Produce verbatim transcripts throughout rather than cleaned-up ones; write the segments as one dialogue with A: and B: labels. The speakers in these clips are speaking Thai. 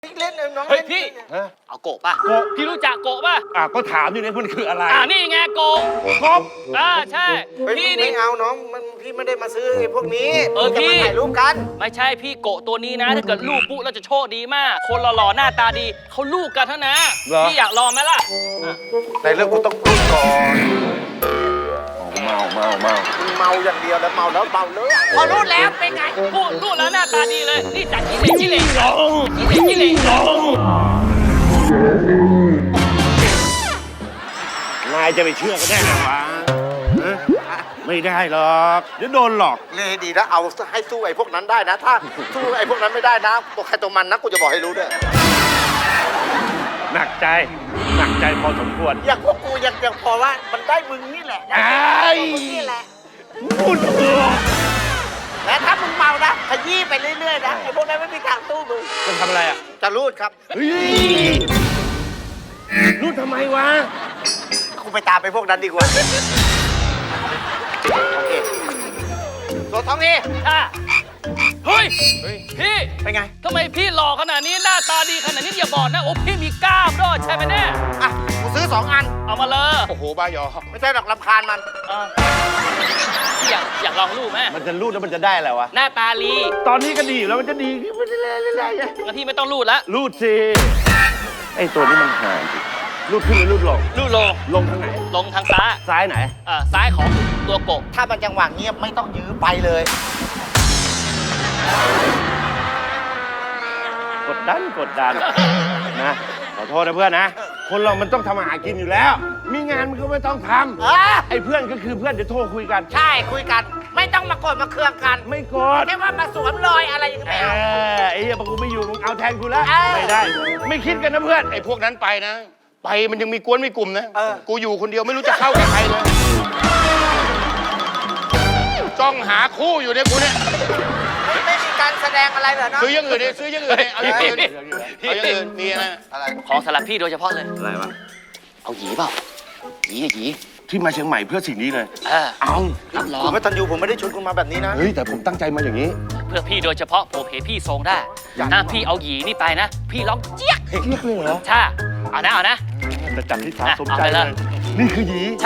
A: เล่นน้อง
B: เฮ้ยพี่
C: เอาโกะป่ะ
B: โกะพี่รู้จักโกะป่ะ
D: อ่ะก็ถามอยู่เนี่ยมันคืออะไร
B: อ่านี่ไงโกะ
D: กบ
B: อ่าใช่พี่
A: พี่
B: นี่
A: ไม่เอาน้องมันพี่ไม่ได้มาซื้อไอ้พวกนี้
B: เออ
A: จะ
B: พี่
A: มาถ่ายรูปกัน
B: ไม่ใช่พี่โกะตัวนี้นะ ถ้าเกิดลูกปุ๊เราจะโชคดีมาก คนหล่อๆหน้าตาดีเขาลูกกันเท่านั้นพี่อยากลองไหมล่ะ
A: ในเรื่องกูต้องพูดก่อน
D: เมาเมาเมา
A: มึงเมาอย่างเดียวแล้วเมาแล้วเมาเลยพอรู้แล้วเป็นไง
B: พูดพูดแล้วหน้าตาดีเลย นี่จากกิเลสกิเลสกิเลสกิเลส
D: นายจะไปเชื่อก็ได้ไงวะฮะไม่ได้หรอกเดี๋ยวโดนหลอก
A: เลยดีนะเอาให้สู้ไอ้พวกนั้นได้นะ ถ้าสู้ไอ้พวกนั้นไม่ได้นะตัวใครตัวมันนะกูจะบอกให้รู้ด้วย
D: หนักใจหนักใจพอสมควร
A: อย่างพวกกูยังยังพอว่ามันได้มึงนี่แหละ
D: ไอ้
A: มึงนี่แหละ
D: พูดเถอะ
A: และถ้ามึงเมานะขยี้ไปเรื่อยๆนะไอ้พวกนั้นไม่มีทางสู้มึง
B: จะทำอะไรอ่ะ
A: จะรูดครับ
D: เฮ้ยรู้ทำไมวะ
A: กูไปตามไปพวกนั้นดีกว่าโอเคตัวท้องนี่
B: อ่ะเฮ้ยพี่
A: เป็นไง
B: ทำไมพี่หล่อขนาดนี้หน้าตาดีขนาดนี้อย่าบอกนะโอ้พี่มีกล้ามด้วยใช่ไหมเนี่ย
A: อ่ะกูซื้อสองอัน
B: เอามาเลย
A: โอ้โหบ้ายอไม่ใช่ดอกลำคาญมัน
B: อ่ะพี่อยากอยากลองรูปไหม
D: มันจะรูดแล้วมันจะได้อะไรวะ
B: หน้าตาลี
D: ตอนนี้ก็ดีอยู่แล้วมันจะดีขึ้นไปเรื่อยๆเรื่อยๆไง
B: งั้นพี่ไม่ต้องรูดละ
D: รูดสิไอ้ตัวนี้มันหายรูดขึ้นหรือรูดลง
B: รูดลง
D: ลงทางไหน
B: ลงทางซ้าย
D: ซ้ายไหน
B: อ่าซ้ายของตัวโกะ
A: ถ้ามันจังหวะเงียบไม่ต้องยื้อไปเลย
D: กดดันกดดันนะขอโทษนะเพื่อนนะ คนเรามันต้องทำอาหารกินอยู่แล้ว มีงานมันก็ไม่ต้องท
A: เออ
D: ำไอ้เพื่อนก็คือเพื่อนเดี๋ยวโทรคุยกัน
A: ใช่คุยกัน ไม่ต้องมาโกดมาเคืองกัน
D: ไม่กด
A: แค่ว่ามาสวมรอยอะไรอย่าง
D: เอ
A: เงี้ยไม่เอา
D: อไอ้เหี้ยพอกูไม่อยู่มึงเอาแทนกูแล้ว
A: เออ
D: ไม่ได้ ไม่คิดกันนะเพื่อน
E: ไอ้พวกนั้นไปนะ ไปมันยังมีกวนมีกลุ่มนะ
A: เออ
E: กูอยู่คนเดียวไม่รู้จะเข้ากับใครเลย จ้องหาคู่อยู่เนี่ยกูเนี่ย
A: ไม่ไม่มีการแสดงอะไรเหรอเนาะ
E: ซื้ออยังอื่นดิซื้ออยังอื่นดิเอาอย่างอื่นเอาอย่างอื่นมีอะไร
A: อะไร
B: ของสำหรับพี่โดยเฉพาะเลย
D: อะไรวะ
B: เอาหยีเปล่าหยีอะหยี
D: ที่มาเชียงใหม่เพื่อสิ่งนี้เลย
B: เออ
D: เอา
B: รับรอ
A: คุ
B: ง
A: ณไม่ตันยูผมไม่ได้ชวนคุณมาแบบนี้นะ
D: เฮ้ยแต่ผมตั้งใจมาอย่างนี้
B: เพื่อพี่โดยเฉพาะผมเห็นพี่ทรงได้
A: อยาก
B: ถ้าพี่เอาหยีนี่ไปนะ พี่ร้องเจี๊ยก
D: เรียกเลยเหรอ
B: ใช่เอานะเอานะ
D: แต่จับที่สาสม
B: เอา
D: ใจ
B: ไป
D: เล
B: เลย
D: ย นี่คือหยี
B: ใช่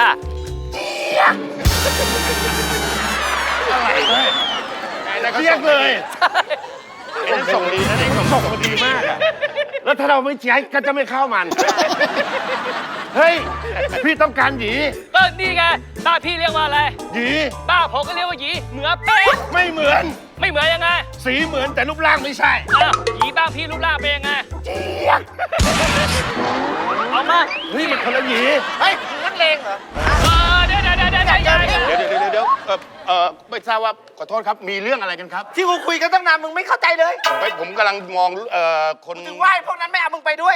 D: อะไรเลย
E: ไอ้นั่นก็
D: เรียกเลย
E: ไอ้นั่นส่งดีนะไอ้ส่ง
D: ส่งมาดีมากอะแล้วถ้าเราไม่ใช้ก็จะไม่เข้ามัน เฮ้ย พี่ต้องการหยี
B: ก็นี่ไงบ้านพี่เรียกว่าอะไร
D: หยี
B: บ้านผมก็เรียกว่าหยีเหมือนเป๊ะ
D: ไม่เหมือน
B: ไม่เหมือนยังไง
D: สีเหมือนแต่รูปร่างไม่ใช่
B: อ้าวหยีบ้านพี่รูปร่างเป็นยังไงเอามา
D: เฮ้ยมันคนละหยี
A: เฮ้ยนักเลงเหรอ
B: เออเดี๋ยวเดี๋ยวเดี๋ยวเดี๋ยวเดี๋ยวเดี๋ยว
E: เดี๋ยวเดี๋ยวเดี๋ยวเดี๋ยวเออเออไม่ทราบว่าขอโทษครับ มีเรื่องอะไรกันครับ
A: ที่กูคุยกันตั้งนานมึงไม่เข้าใจเลย
E: เฮ้ยผมกำลังมองเอ่อคน
A: ถึงว่าไอ้พวกนั้นไม่เอามึงไปด้วย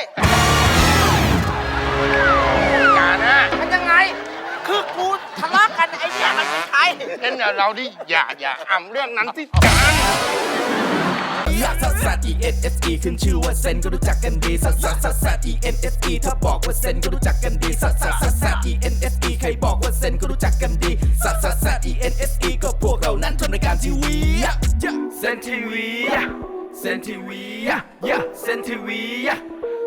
E: การนะ
A: มันยังไง คือกูทะเลาะกันไอ้เนี่ยมันเป็นใคร
E: เล่นเราดิอย่าอย่าอ่ำเรื่องนั้นที่การ
F: ลักซัสซัส E N S E ขึ้นชื่อว่าเซนก็รู้จักกันดีซัสซัสซัสซัส E N S E ถ้าบอกว่าเซนก็รู้จักกันดีซัสซัสซัสซัส E N S E ใครบอกว่าเซนก็รู้จักกันดีซัสซัสซัส E N S E ก็พวกเรานั้นทำรายการทีวีเซนทีวีเซนทีวีเซนทีวี